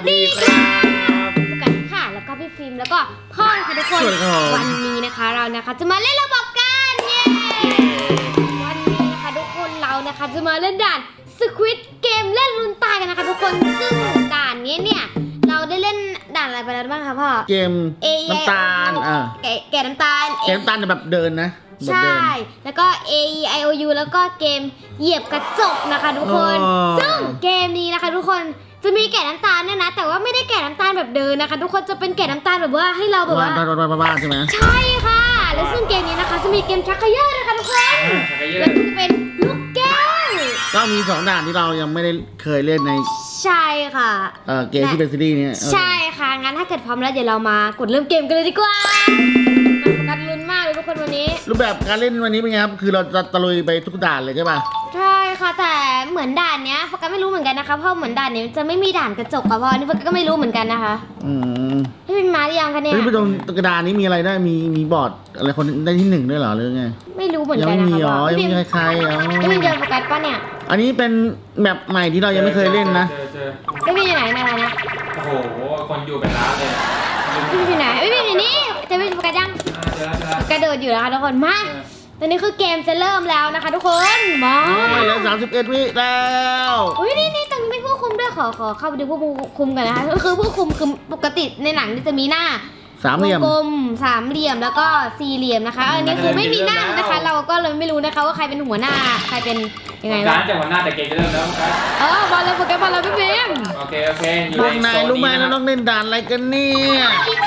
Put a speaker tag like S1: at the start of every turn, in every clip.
S1: ดีครับ
S2: พบกันค่ะแล้วก็พี่ฟิล์มแล้วก็พ่อค่ะทุกคนวันนี้นะคะเรานะคะจะมาเล่นระบบกันเย้วันนี้นะคะทุกคนเรานะคะจะมาเล่นด่าน Squid Game เล่นลุ้นตายกันนะคะทุกคนซึ่งด่านนี้เนี่ยเราได้เล่นด่านอะไรไปแล้วบ้างคะพ่อ
S1: เกมน้ำตาล
S2: แกะน้ำตาล
S1: เกมน้ำตาลแบบเดินนะ
S2: ใช่แล้วก็ A E I O U แล้วก็เกมเหยียบกระจกนะคะทุกคนซึ่งเกมนี้นะคะทุกคนจะมีแกะน้ำตาลเนี่ยนะแต่ว่าไม่ได้แกะน้ำตาลแบบเดินนะคะทุกคนจะเป็นแกะน้ำตาลแบบว่าให้เราแบบว่า
S1: บ้าใช่ไหม
S2: ใช่ค่ะแล้วซึ่งเกมนี้นะคะจะมีเกมชักเขย่อนะคะทุกคนแล้วก็จะเป็นลูกแก้ว
S1: ก็มี2ด่านที่เรายังไม่ได้เคยเล่นใน
S2: ใช่ค่ะ
S1: เกมที่เป็นซีรีส์นี้
S2: ใช่ค่ะงั้นถ้าเกิดพร้อมแล้วเดี๋ยวเรามากดเริ่มเกมกันเลยดีกว่ากันลุ้นมากเลยทุกคนวันนี้
S1: รูปแบบการเล่นวันนี้เป็นไงครับคือเราจะตะลุยไปทุกด่านเลยใช่ป่ะ
S2: ใช่ค่ะแต่เหมือนด่านเนี้ยโฟกัสไม่รู้เหมือนกันนะคะเพราะเหมือนด่านนี้จะไม่มีด่านกระจกค่ะพ่อนี่โฟกัสก็ไม่รู้เหมือนกันนะคะพี่เป็นมาหรือยังคะเนี่ย
S1: พี่ไปตรงกระดานนี้มีอะไรได้มีบอร์ดอะไรคนได้ที่1ด้วยเหรอหรือไง
S2: ไม่รู้เหมือนกันนะคะ
S1: ยังไม่มียังไม่มีใคร
S2: พี่เป็นเจอโฟกัสป่ะเนี่ย
S1: อันนี้เป็นแมปใหม่ที่เรายังไม่เคยเล่นนะ
S2: พี่เป็นอยู่ไหนนะคะเนี่ย
S3: โอ้โหคนอยู่เป็นล้านเลย
S2: พี่เป็นอยู่ไหนพี่เป็นอยู่นี่จะพี่โฟกัสยังกระโดดอยู่แล้วค่ะทุกคนมาตอนนี้คือเกมจะเริ่มแล้วนะคะทุกคนมา
S1: แล้ว31 วิแล้ว
S2: อุ้ยนี่ตรงนี้เป็นผู้คุมด้วยขอเข้าไปดูผู้คุมกันนะคะก็คือผู้คุมคือปกติในหนังจะมีหน้า
S1: สามเหลี่ยม
S2: กลมสามเหลี่ยมแล้วก็สี่เหลี่ยมนะคะอันนี้คือไม่มีหน้านะคะเราก็เลยไม่รู้นะคะว่าใครเป็นหัวหน้าใครเป็นยังไง
S3: การจากหัวหน้าแต่เกมจะเริ่มแล้วครับ
S2: บอลเลยโปรแกรมบอลเลยพี่พิม
S3: โอเคอยู่
S1: ในนายรู้ไหมเราต้องเล่นด่านอะไรกันเนี่ย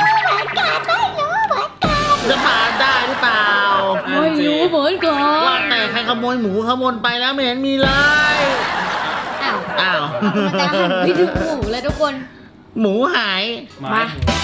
S1: จะผ่านได้หรือเปล่า
S2: ไม่รู้เหมือนกัน
S1: ว่าแต่ใครขโมยหมูขโมยไปแล้วไม่เห็นมีเลยอ้าว
S2: มันจะหันไปดูหมูเลยทุกคน
S1: หมูหาย
S2: มา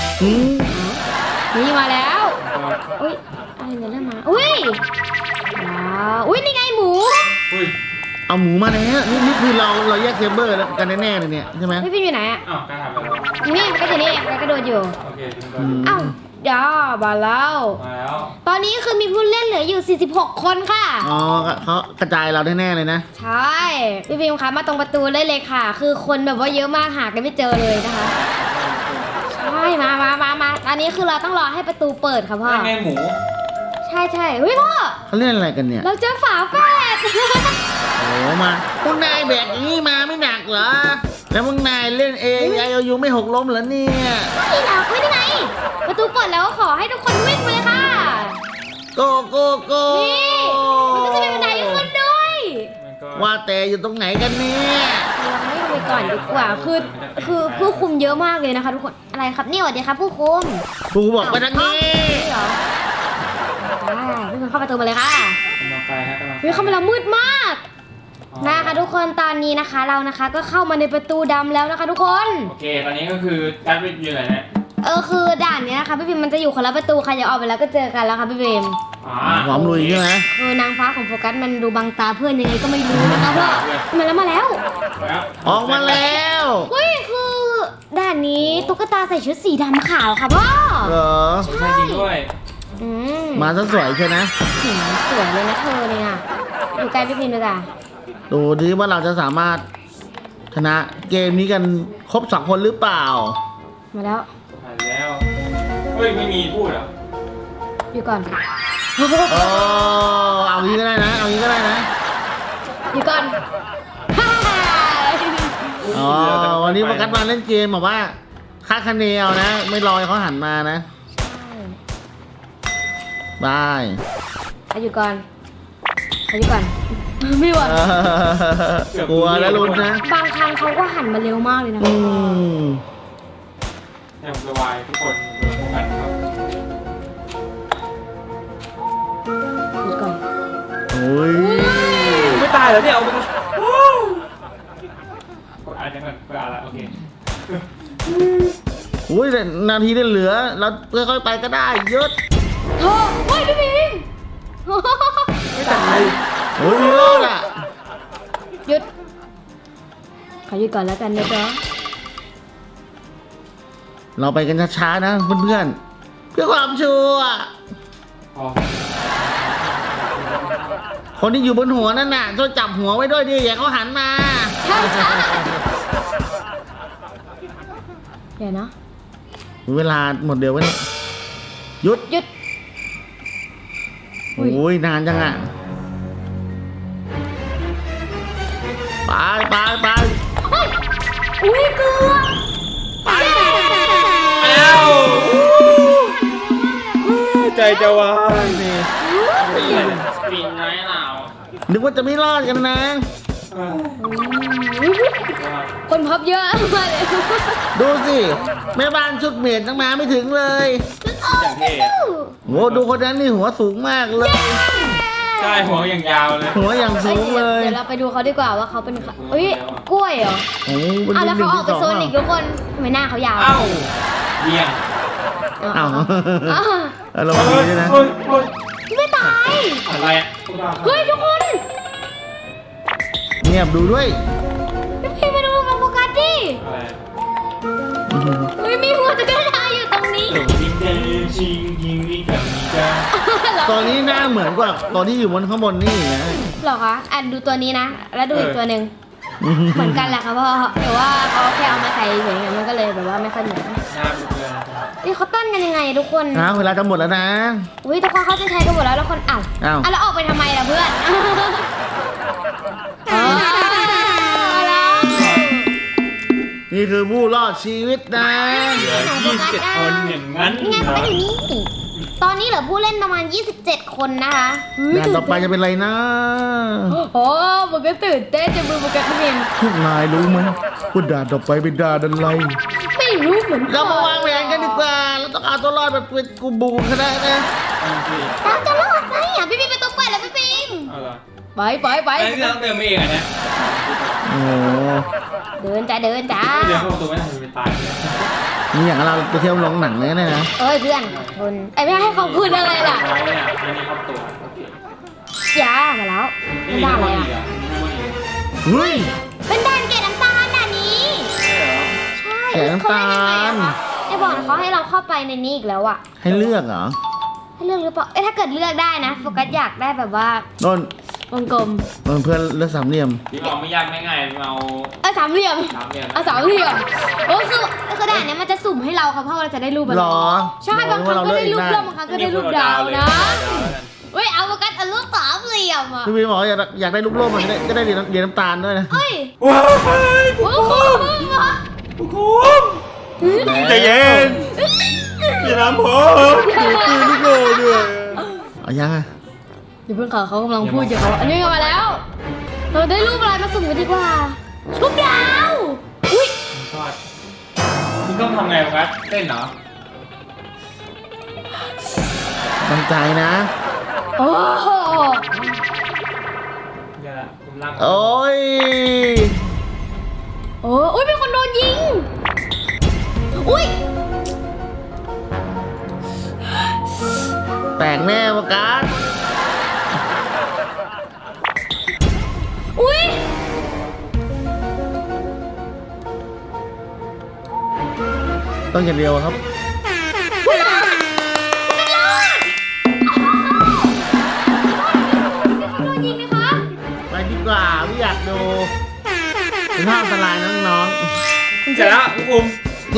S2: นี่มาแล้วอุ้ยอะไรเนี่ยเริ่มมาอุ้ยอุ้ยนี่ไงหมู
S1: เอาหมูมาแล้วนี่คือเราแยกเซเบอร์กันแน่ๆเลยเนี่ยใช่ไหม
S2: พี่พิมอยู่ไหนอ่ะ
S3: อ้าวการทำอะไร
S2: นี่ก็อยู่นี่กระโดดอยู่
S3: โอเค
S2: อ้าวเดี๋ยวมาแล้วตอนนี้คือมีผู้เล่นเหลืออยู่46คนค่ะ
S1: อ๋อเขากระจายเราแน่ๆเลยนะ
S2: ใช่พี่พิมคะมาตรงประตูเลยค่ะคือคนแบบว่าเยอะมากหากันไม่เจอเลยนะคะใช่มาตอนนี้คือเราต้องรอให้ประตูเปิดค่ะพ่อ
S3: ไงหมู
S2: ใช่เฮ้ยพ่อ
S1: เขาเล่นอะไรกันเนี่ย
S2: เราเจอฝาแฝด
S1: โอ้มาพวกนายแบกอย่างนี้มาไม่หนักเหรอแล้วพวกนายเล่นAIOUไม่หกล้มเหรอเนี่ย
S2: ไม่หรอกไม่ได้ไงประตูเปิดแล้วขอให้ทุกคนวิ่งไปเลยค่ะ
S1: โก
S2: นี่มันก็จะเป็นบันไดขึ้นด้วย
S1: ว่าแต่อยู่ตรงไหนกันเนี่ย
S2: เราไม่ไปก่อนดีกว่าคือผู้คุมเยอะมากเลยนะคะทุกคนอะไรครับนี่สวัสดีครับผู้คุม
S1: ผู้บอกไปทางนี้
S2: พี่มันเข้าประตูมาเลยค่ะเข้ามาแล้วมืดมากนะคะทุกคนตอนนี้นะคะเรานะคะก็เข้ามาในประตูดำแล้วนะคะทุกคน
S3: โอเคตอนนี้ก็คือการไปอยู่ไหนเนี่ย
S2: คือด่านนี้นะคะพี่พิมมันจะอยู่คนละประตูใครจะออกไปแล้วก็เจอกันแล้วค่ะพี่พิม
S1: หอมลุยใช่ไหม
S2: คือนางฟ้าของโฟกัสมันดูบังตาเพื่อนยังไงก็ไม่รู้นะคะพ่อมาแล้ว
S1: ออกมาแล้ว
S2: เฮ้ยคือด่านนี้ตุ๊กตาใส่ชุดสีดำขาวค่ะพ่อ
S3: ใช่ด้วย
S1: มาซะสวยใช่ไหม
S2: สวยเลยนะเธอเนี่ยอยู่ใกล้พี่พิมเลยจ้ะ
S1: ดูดิว่าเราจะสามารถชนะเกมนี้กันครบ2 คนหรือเปล่า
S2: มาแล้ว
S3: เฮ้ยไม่มีพูดเหรอ
S2: อยู่ก่อน
S1: เอางี้ก็ได้นะ
S2: อยู่ก่อน
S1: วันนี้โฟกัสมาเล่นเกมแบบว่าคาดคะเนเอานะไม่รอเขาหันมานะบาย
S2: อยู่ก่อนไม่ไหว
S1: กลัวแล้วลุ้นนะ
S2: บางครั้งเขาก็หันมาเร็วมากเลยนะ
S3: เนี่ยสบายทุกคนโฟกัสครับ
S2: อยู่ก่อน
S3: ไม่ตายเหรอเนี่ยเอาไปกดอ่านยังไงกดอ่านละโอเค
S1: นาทีได้เหลือเราค่อยๆไปก็ได้ยศ
S2: โอ้ยพี่พิม
S3: ไม่ตาย
S1: มีรอดอ่ะ
S2: หยุดขอหยุดก่อนแล้วกันนะจ๊ะ
S1: เราไปกันช้าๆนะเพื่อนๆเพื่อความชัวร์คนที่อยู่บนหัวนั่นน่ะช่วยจับหัวไว้ด้วยดิอย่าเขาหันมา
S2: ใช่ดี๋ยวนะ
S1: เวลาหมดเดียววะเนี่ยหยุด
S2: หยุด อุ๊ย
S1: โอ้ยนานจังอ่ะไปไปไป
S2: เฮ้ยอุ้ยเกลือ
S3: แล้ว ใจจะวาย
S1: นี่
S3: ปีนน้อยเรา
S1: นึกว่าจะไม่รอดกันนะ
S2: คนพับเยอะมากเลย
S1: ดูสิแม่บ้านชุดเมียดตั้งมาไม่ถึงเลย
S3: อย่างเท่
S1: โอ้ดูคนนั้นนี่หัวสูงมากเลย
S3: ใช่หัวอย่างยาวเลย
S1: หัวอย่างสูงเลย
S2: เดี๋ยวเราไปดูเขาดีกว่าว่าเขาเป็นใครเฮ้ยกล้วยเหรอ
S1: โอ้เป็น
S2: อ้าวแล้ว
S1: หนึ่
S2: เขา
S1: ง
S2: ออก
S1: ที่
S2: ไป
S1: สอง
S2: โซนอีกทุกคนทำไมหน้าเขายาว
S3: เอ้าเบี่ยง
S1: อ้าว
S2: อ้าว
S1: เราดีด้วยนะ
S3: เฮ้ยเฮ้ย
S2: ไม่ตาย
S3: อะไรอ่ะ
S2: เฮ้ยทุกคน
S1: เงียบดูด้วย
S2: พี่มาดูกับโฟกัสดิ
S3: อะไร
S2: เฮ้ยมีหัวตะกร้าอยู่ตรงนี้
S3: หลงยิงเดินชิงยิงวิ่งกับมีจ้า
S1: ตอนนี้หน้าเหมือนกว่าตอนที่อยู่บนข้างบนนี่นะ
S2: เหรอคะอ่ะดูตัวนี้นะ แล้วดูอีกตัวหนึ่งเหมือนกันแหละค่ะพ่อแต่ว่าเขาแค่เอามาใส่เฉยๆมันก็เลยแบบว่าไม่ค่อยเหมือน
S3: หน้าบุกเลย
S2: นี่เขาตั้นกันยังไงทุกคน
S1: นะเวลาจะหมดแล้วนะ
S2: อุ้ยทุกคนเขาจะใช้กันหมดแล้วแล้วคนอ้าว
S1: อ้าว
S2: อ่ะแล้วออกไปทำไมล่ะเพื่อนอ๋อแล้ว
S1: นี่คือผู้รอดชีวิตนะ
S3: เหลือ27 คนอย่างนั้น
S2: นี่ไงเขาไปอยู่นี่ตอนนี้เหลือผู้เล่นประมาณ 27 คนนะคะเฮ้ย
S1: ด่านต่อไปจะเป็นอะไรนะ
S2: โอ้มันก็ตื่นเต้นจะมือมันก็เพียง
S1: พวกนายรู้ไหมว่าด่านต่อไปเป็นด่านอะไร
S2: ไม่รู้เหมือน
S1: เรามาวางแผนกันดีกว่าเราต้องเอาตัวรอดแบบเป็นกูบูก็ได้นะ
S2: เราจะรอดไหมอ่ะพี่ปิมไปตัวเปิดแล้วพี่ปิม
S3: เอาเหรอ
S2: ไปไปไป
S3: ไอ้ที่เราเดินมาเองอ่ะเนี่ย
S1: โอ้โห
S2: เดินจ้าเดินจ้า
S3: เดินเข้าประตูไม่ได้มันตายเลย
S1: นี่อย่างเราไปเที่ยวโรงหนังเลยนะ
S2: เอ้ยเพื่อนทนไอ้ไม่ให้ขอบคุณอะไรล่ะ
S3: ไว้เนี่ยไม่ได้เข้าตัวโอเค
S2: ยามาแล้ว
S3: นี่
S2: ไม่
S3: มี
S2: ได้
S3: ข้างบ
S2: เล
S3: น
S2: ย
S3: อีก
S2: อ่ะ
S3: อ่ะมีข้างบนอีก
S1: เฮ้ย
S2: เป็นด่านเกล็ดน้ำตาลด่านนี้
S3: ใช่เหรอ
S2: ใช่
S1: เกล็ดน้ำตาล
S2: ไอ้บอกนะเขาให้เราเข้าไปในนี้อีกแล้วอ่ะ
S1: ให้เลือกเหรอ
S2: ให้เลือกหรือเปล่าเอ้ยถ้าเกิดเลือกได้นะโฟกัสอยากได้แบบว่า
S1: นน
S2: วงกลม
S1: เพื่อนเลือกสามเหลี่ยม
S3: พี่เอาไม่ยากไม่ง่ายพี่เอา
S2: สามเหลี่ยม
S3: สามเหลี่ยม
S2: เอาสามเหลี่ยมโอ้คือด่านเนี้ยมันจะสุ่มให้เราค่ะเพราะว่าเราจะได้รูปอะไร
S1: หรอ
S2: ใช่บางครั้งก็ได้รูปร่มบางครั้งก็ได้รูปดาวนะเฮ้ยเอาโฟกัสเอารูปสามเหลี่ยมอ่ะ
S1: พี่วีบอกว่าอยากได้ลูกโลกมันจะได้เหรียญน้ำตาลด้วยนะ
S2: เฮ้ย
S3: ว้าว
S2: โอ้โห
S3: ผู้คุมใจเย็นอย่าทำผม
S1: ตื่นลูกโลกด้วยเอายังอ่ะ
S2: เดี๋ยวเพื่อนเขากำลังพูดอยู่เขาอันนี้มาแล้ว เราได้รูปอะไรมาสุ่มกันดีกว่ารูปดาวอุ้ย
S3: ทอดมึงต้องทำไงวะเต้นเหรอ
S1: ตั้งใจนะ
S2: โอ้โห
S3: เดี๋ยวละผมลาก
S1: โอ้ย
S2: โอ้ยเป็นคนโดนยิงอุ้ย
S1: แตกแน่ประกาศ
S2: อุ้ย
S1: ต้องอย่างเดียวครับ
S2: โดนยิงไหมคะ
S1: ไปดีกว่าไม่อยากดูเป็นภาพอันตรายน้อง
S3: เสร็จแล้วผู้คุม
S1: ๆเย้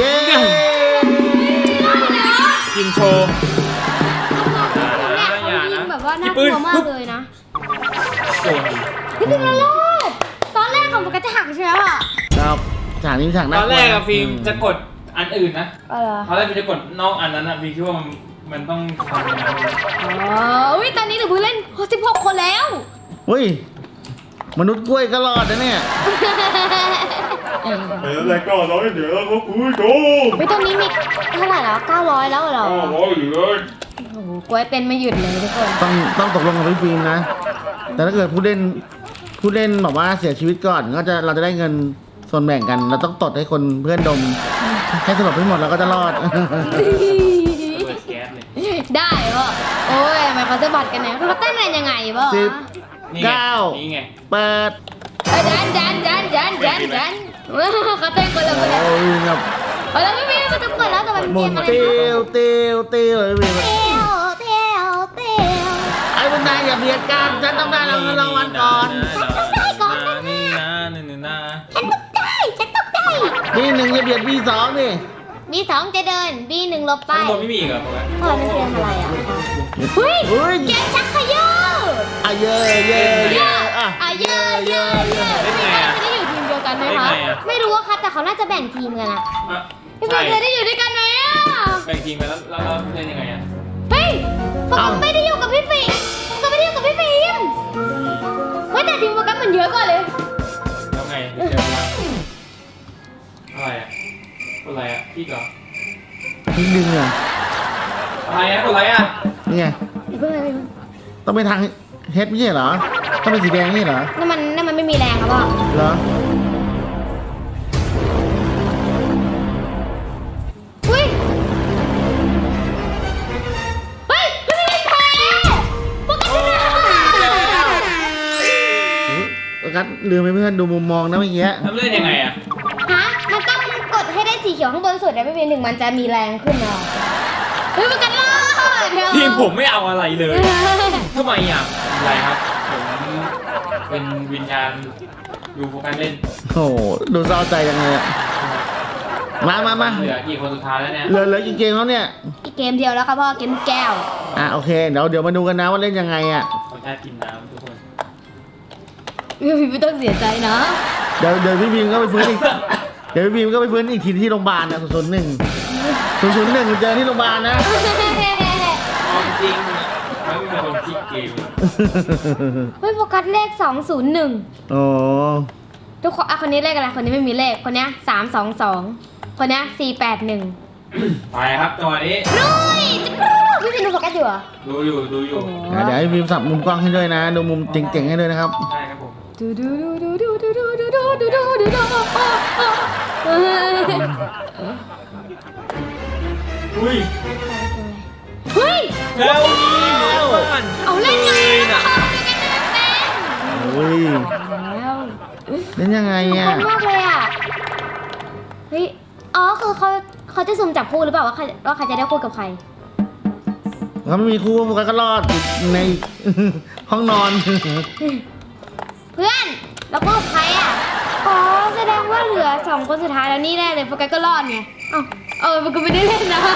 S3: กินโชว์
S2: เนี่ยเขายิงแบบว่าน่ากลัวมากเลยนะ
S3: โดนดิ
S2: พี่เป็นอะไรตอนแรกของมันก็จะหักใช่ไหมอ่ะ
S1: ครับฉากนี้ฉาก
S3: ต
S1: น่า
S3: อน
S1: กลัว
S3: แรกอะฟิล์มจะกดอันอื่นนะ
S2: อะไร
S3: ตอนแรกฟิล์มจะกดนอกอันนั้นอะฟิล์มคิดว่ามันต้องทำอย่างนั้น
S2: อ๋ออุ้ยตอนนี้เหลือผู้เล่น16 คนแล้ว
S1: เฮ้ยมนุษย์กล้วยก็รอดนะเนี่ย
S3: แล้วก็ร้อยเดี๋ยวก็คุยโด
S2: เฮ้ยตอนนี้มีเท่าไหร่แล้ว900แล้วเหรอ
S3: ร้อยเหลือ
S2: โอ้โหกล้วยเต้นไม่หยุดเลยทุกคน
S1: ต้องตกลงกับพี่ฟิล์มนะ แต่ถ้าเกิดผู้เล่นแบบว่าเสียชีวิตก่อนเราจะได้เงินส่วนแบ่งกัน เราต้องตดให้คนเพื่อนดม ให้สลบให้หมดเราก็จะรอด
S3: เปิดแก๊สเลย
S2: ได้เหรอโอ้ยทำไมเขาจะบัดกันเนี่ยเขาเต้นกันยังไงบ่
S1: สิบ
S3: นี่ไง
S1: เก้า
S3: นี่ไง
S1: เปิด
S2: เอ้ยดันเขาเต้นคนละคนเลย
S1: โอ้ยครับ
S2: เอาแล้วไม่มีเขาจะเปิดแล้วแต่มัน
S1: หมุ
S2: เก
S1: น
S2: มอะไร
S1: เตี
S2: นะ
S1: ยวเตียวเตียวเลยพี่
S2: เตียว
S1: ไอ้พวกนายอย่าเบียดกันฉันต้องได้รางวัลก่อน
S3: นี่นะนี่นะ
S2: ฉันตกใจ
S1: นี่หนึ่งอย่าเบียดพี่สองนี่
S2: B2 จะเดิน B1 หลบไป
S3: ข้างบนไม่มีอีกเหรอโฟกัส
S2: พ่อนั่นคืออะไรอ่ะเฮ้ย
S1: เฮ้ย
S2: เกมชักเขย่อ
S1: อ่ะเย่เย่เย่อ่ะ
S2: เย่เย่เย่พี่ฟิล์มจะได้อยู่ทีมเดียวกันไหมคะไม่รู้ว่าค่ะแต่เขาน่าจะแบ่งทีมกันอะ
S3: อ่ะ
S2: พี่ฟิล์มจะได้อยู่ด้วยกันไหมอะ
S3: แบ่งทีมกันแล้วเล่นยังไงอ่ะ
S2: เฮ้ยผมไม่ได้อยู่กับพี่ฟิล์มผมก็ไม่ได้อยู่กับพี่ฟิล์มเฮ้ยแต่ทีมโฟกัสมันเยอะกว่าเลย
S3: แล้วไงเจออะไรอ่ะกดอะไรอ่ะพี่ก่อน
S1: นิดนึงอ่ะ
S3: อะไรอ่ะกดอะไรอ่ะ
S1: นี่ไงต้องไปทางเฮดไม่ใช่เหรอต้องเป็นสีแดงนี่เหรอ
S2: นั่นมันไม่มีแรงครับพ่อ
S1: เหรอ
S2: เฮ้ยเฮ้ยพี่ฟิล์มแพ้โฟกัสชนะ
S1: โฟกัสลืมไปเพื่อนดูมุมมองนะเมื่อกี้
S3: แล้วเล่นยังไงอ่ะ
S2: ฮะมันต้องกดให้ได้สีเขียวข้างบนสุดนะพี่ฟิล์มถึงมันจะมีแรงขึ้นเนาะเฮ้ยโฟกัสรอดเดี๋ยว
S3: ทีมผมไม่เอาอะไรเลยทำไมอ่ะอะไรครับผมเป็นวิญญาณดูโฟกัสเล่น
S1: โอ้โหดูเศร้าใจจังเลยอะมา
S3: เหลือกี่คนสุดท้ายแล้วเนี่ย
S1: เหลือกี่เกมแล้วเนี่ย
S2: อีกเกมเดียวแล้วครับพ่อเกมลูกแก้ว
S1: โอเคเดี๋ยวมาดูกันนะว่าเล่นยังไงอ่ะ
S3: ขอแค่กินน้ำทุกคน
S2: พี่ไม่ต้องเสียใจนะ
S1: เดี๋ยวพี่พิมก็ไปฟื้นอีกเดี๋ยวพี่พิมก็ไปฟื้นอีกทีที่โรงพยาบาลนะ001เจอที่โรงพยาบาลนะ
S3: เอาจริงๆมันเป็นคนพลิกเกม
S2: เฮ้ยโฟกัสเลข201
S1: โอ้
S2: ทุกคนคนนี้เลขอะไรคนนี้ไม่มีเลขคนนี้322คนนี้481
S3: ไปครับจังหวะนี้
S2: ลุยพี่พิมดูโฟกัสอยู่เหรอ
S3: ดูอยู่เ
S1: เดี๋ยวให้พิมสับมุมกล้องให้ด้วยนะ ดูมุมเจ๋งๆให้ด้วยนะครับ
S3: ใช่ครับผม
S2: ดูดูดูดูดูดูดูดูดูดูดูดูดู
S3: อุ้ย
S2: เฮ้ย
S3: แล้วบ้าน
S2: เอาเล่นไง
S3: นะ
S1: โอ้ย
S2: แล้ว
S1: เล่นยังไง
S2: ค
S1: อ่ะ
S2: นมากเลยอ่ะเฮ้ยอ๋อคือเขาจะสุ่มจับคู่หรือเปล่าว่าใครจะได้คู่กับใคร
S1: เขาไม่มีคู่โฟกัสก็รอดอยู่ใน ห้องนอน
S2: เพื่อนแล้วคู่กับใครอ่ะอ๋อแสดงว่าเหลือ2คนสุดท้ายแล้วนี่แน่เลยโฟกัสก็รอดไงมันก็ไม่ได้เล่นนะ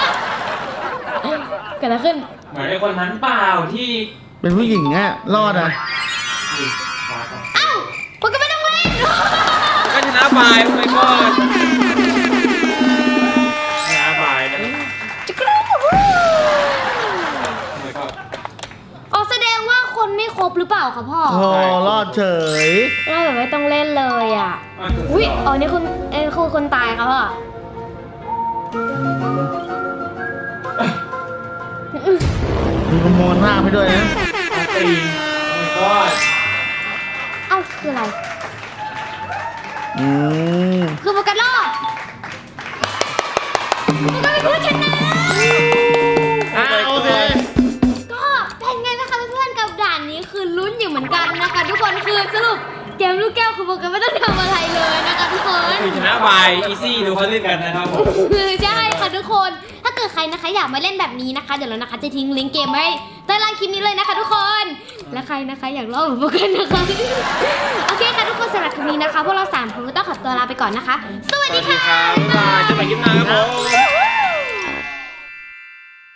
S2: เกิดอะไรขึ้น
S3: เหมือนไอ้คนนั้นเปล่าที่
S1: เป็นผู้หญิงอ่ะรอดอ่ะ
S3: นี่ขาก่อน
S2: โฟกัสไม่ต้องเล่น
S3: ก็ชนะบายไปก่อนชนะบายนะไปก่อน
S2: อ๋อแสดงว่าคนไม่ครบหรือเปล่าคะพ่อ
S1: โอ้รอดเฉย
S2: เราแบบไม่ต้องเล่นเลยอ่ะอุ้ยนี่คือคนตายครับพ่อ
S1: มีประมวลภาพให้ด้วยนะ
S3: ตีไปก่อน
S2: คืออะไร
S1: อืม
S2: คือโฟกัสรอดโฟกัสเป็นผู้ชนะ
S1: โอเค
S2: ก็เป็นไงบ้างคะเพื่อนๆกับด่านนี้คือลุ้นอยู่เหมือนกันนะคะ ทุกคนคือสรุปเกมลูกแก้วคือโฟกัสไม่ต้องทำอะไรเลยนะคะทุกคน
S3: คือชนะบายอีซี่ดูเขาเล่นกันนะครับผม
S2: คือใช่ค่ะทุกคน ถ้าเกิดใครนะคะอยากมาเล่นแบบนี้นะคะ เดี๋ยวเรานะคะจะทิ้งลิงก์เกมไว้ใต้ล่างคลิปนี้เลยนะคะทุกคน และใครนะคะอยากลองแบบพวกกันนะคะ โอเคค่ะทุกคนสำหรับคลิปนี้นะคะพวกเรา3คนก็ต้องขอตัวลาไปก่อนนะคะ สวัสดีค่ะ
S3: บ๊ายบายจะไปคลิปหน้าครับผม